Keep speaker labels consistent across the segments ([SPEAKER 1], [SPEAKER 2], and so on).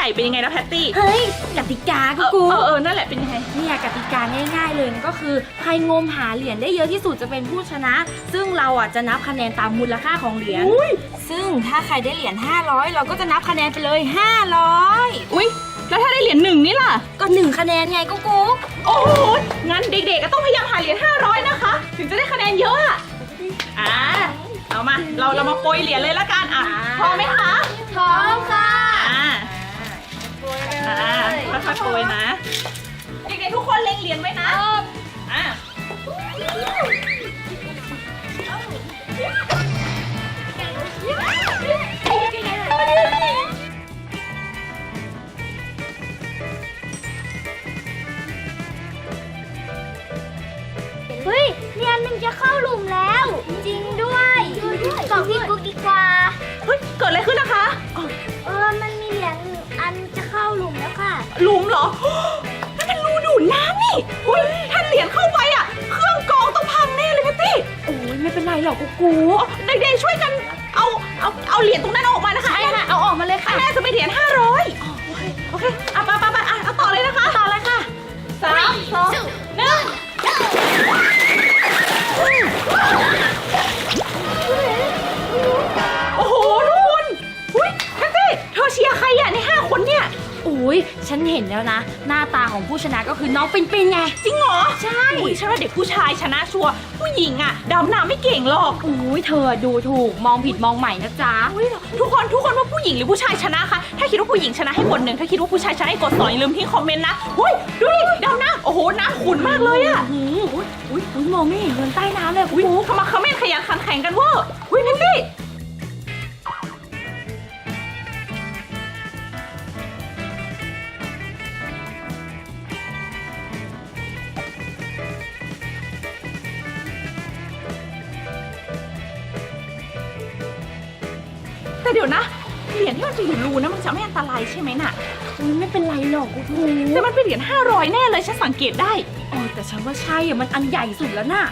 [SPEAKER 1] ก่เป็นยังไงนะแพตตี้
[SPEAKER 2] เฮ้ยกติกากู
[SPEAKER 1] นั่นแหละเป็นยังไง
[SPEAKER 2] เนี่ยกติกาง่ายๆเลยก็คือใครงมหาเหรียญได้เยอะที่สุดจะเป็นผู้ชนะซึ่งเราอ่ะจะนับคะแนนตามมูลค่าของเหรียญซึ่งถ้าใครได้เหรียญ500เราก็จะนับคะแนนไปเลย500
[SPEAKER 1] อุ้ยแล้วถ้าได้เหรียญ1นี่ล่ะ
[SPEAKER 2] ก็1คะแนนไงกู
[SPEAKER 1] โอ้โหงั้นเด็กๆก็ต้องพยายามหาเหรียญ500นะคะถึงจะได้คะแนนเยอะเอามาเรามาโปรยเหรียญเลยละกันพร้อมไหมคะ
[SPEAKER 2] พร้อมค่ะ
[SPEAKER 1] ค่อยๆโปรยนะเด็กๆทุกคนเล็งเหรียญไว้นะ
[SPEAKER 2] เฮ้ยเหรียญหนึ่งจะเข้าหลุมแล้วจริงด้วยบอกพี่กุ๊กดีกว่า
[SPEAKER 1] เฮ้ยเกิดอะไรขึ้นนะคะ
[SPEAKER 2] มันมีเหรียญอันจะเข้าหลุมแล้วค่ะ
[SPEAKER 1] หลุมเหรอนั่นมันรูดูดน้ำนี่อุ้ยถ้าเหรียญเข้าไปเครื่องกรองต้องพังแน่เลยแพตตี้
[SPEAKER 2] โอ้ยไม่เป็นไรหรอกกู
[SPEAKER 1] เด็กๆช่วยกันเอาเหรียญตรงนั้นออกมานะคะ
[SPEAKER 2] ใช่ค่ะเอาออกมาเลยค่ะ
[SPEAKER 1] แม่จะไปเหรียญ500โอเคไปเอาต่อเลยนะคะ
[SPEAKER 2] ต่อเลยค่ะ
[SPEAKER 1] 3 2 1โอ้โหทุกคนอุ้ยแพตตี้เธอเชียร์ใครใน5คนเนี่ย
[SPEAKER 2] อุ้ยฉันเห็นแล้วนะหน้าตาของผู้ชนะก็คือน้องปินไง
[SPEAKER 1] จริงเหรอ
[SPEAKER 2] ใช่
[SPEAKER 1] ฉันว่าเด็กผู้ชายชนะชัวร์ผู้หญิงดำน้ำไม่เก่งหรอก
[SPEAKER 2] อุ้ยเธอดูถูกมองผิดมองใหม่นะจ๊ะ
[SPEAKER 1] ทุกคนว่าผู้หญิงหรือผู้ชายชนะคะถ้าคิดว่าผู้หญิงชนะให้กด1ถ้าคิดว่าผู้ชายชนะให้กด2อย่าลืมทิ้งคอมเมนต์นะอุ้ยดูดิดำน้ำโอ้โหน้ำขุ่นมากเลย
[SPEAKER 2] อุ้ยมองไม่เห็นเงินใต้น้ำเลย
[SPEAKER 1] ทำไมเขาไม่ขยันขันแข่งกันวะอุ้ยแพตตี้แต่เดี๋ยวนะเหรียญที่มันจะอยู่รูนะมันจะไม่อันตรายใช่ไหมน่ะ
[SPEAKER 2] ไม่เป็นไรหรอกกู
[SPEAKER 1] แต่มันเป็นเหรียญ500แน่เลยฉันสังเกตได้
[SPEAKER 2] แต่ฉันว่าใช่มันอันใหญ่สุดแล้วน่ะ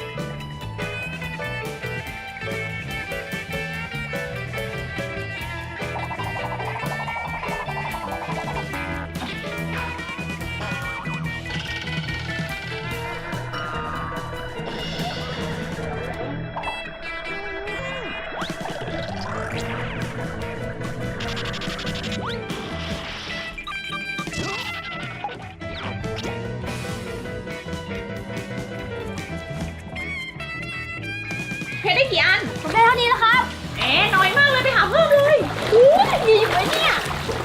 [SPEAKER 1] เพชรได้กี่อัน
[SPEAKER 2] ผมได้เท่านี้แล้วครับ
[SPEAKER 1] น้อยมากเลยไปหาเพิ่มเลย
[SPEAKER 2] มีอยู่ไหมเนี่ย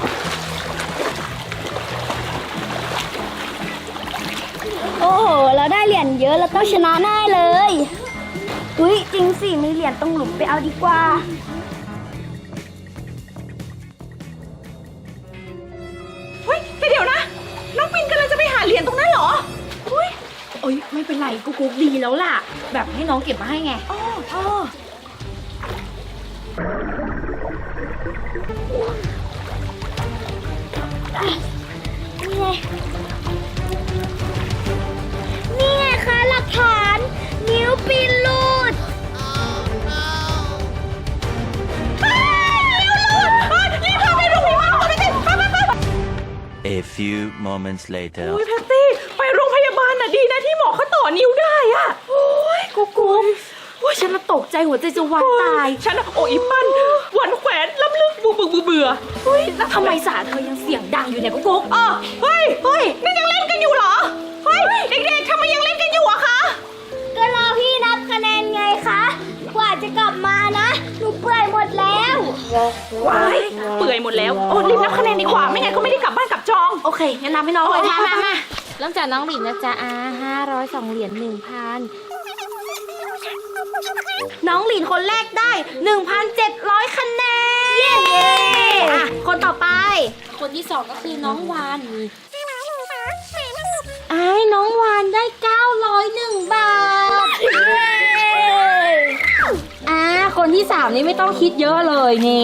[SPEAKER 2] โอ้โหเราได้เหรียญเยอะเราต้องชนะแน่เลยอุ้ยจริงสิมีเหรียญตรงหลุมไปเอาดีกว่า
[SPEAKER 1] เฮ้ยแต่เดี๋ยวนะน้องปินกำลังจะไปหาเหรียญตรงนั้นเหรอ
[SPEAKER 2] ไม่เป็นไรกูดีแล้วล่ะแบบให้น้องเก็บมาให้ไงนี่ไงคะหลักฐานนิ้วปินหลุด
[SPEAKER 1] รีบพาไปโรงพยาบาลก่อนไป
[SPEAKER 3] A few moments later
[SPEAKER 1] อุ้ยแพตตี้ไปโรงพยาบาลดีนะที่หมอเขาต่อนิ้วได้
[SPEAKER 2] โอ้ยกูฉันตกใจหัวใจจะวายตาย
[SPEAKER 1] ฉันอีปั้นวันแขวนล้ำลึกเบื่อ
[SPEAKER 2] แล้วทำไมสาเธอยังเสียงดังอยู่เนี่ยกุ๊ก
[SPEAKER 1] เฮ้ยนี่ยังเล่นกันอยู่เหรอเฮ้ยเด็กๆทำไมยังเล่นกันอยู่อะคะ
[SPEAKER 2] ก็รอพี่นับคะแนนไงคะกว่าจะกลับมานะหนูเปื่อยหมดแล้ว
[SPEAKER 1] เปื่อยหมดแล้วรีบนับคะแนนดีกว่าไม่งั้นก็ไม่ได้กลับบ้านกลับจอง
[SPEAKER 2] โอเคงั้นนับให้น้องเลยมา
[SPEAKER 4] เริ่มจากน้องหลินนะจ๊ะ502 เหรียญ 1,000
[SPEAKER 2] น้องหลินคนแรกได้ 1,700 คะแนนเย้คนต่อไป
[SPEAKER 4] คนที่2ก็คือน้องวานน้องวานได้901 บาทคนที่3นี่ไม่ต้องคิดเยอะเลยนี่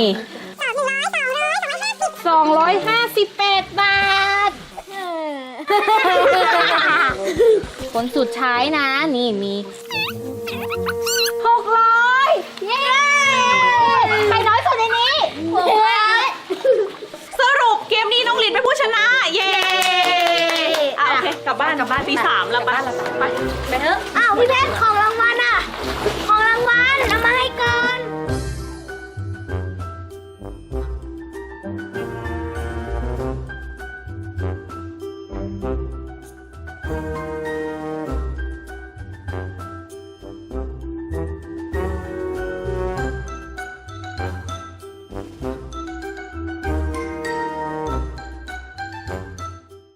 [SPEAKER 4] 258 บาทคนสุดท้ายนะนี่มี
[SPEAKER 2] 600เย้ใครน้อยสุดในนี้
[SPEAKER 1] สรุปเกมนี้ลับบ้านตี 3แล้วไปไปเถอะ
[SPEAKER 4] อ้าวพี่เพชรของรางวัลอะของรางวัลเอามาให้ก่อน
[SPEAKER 1] เ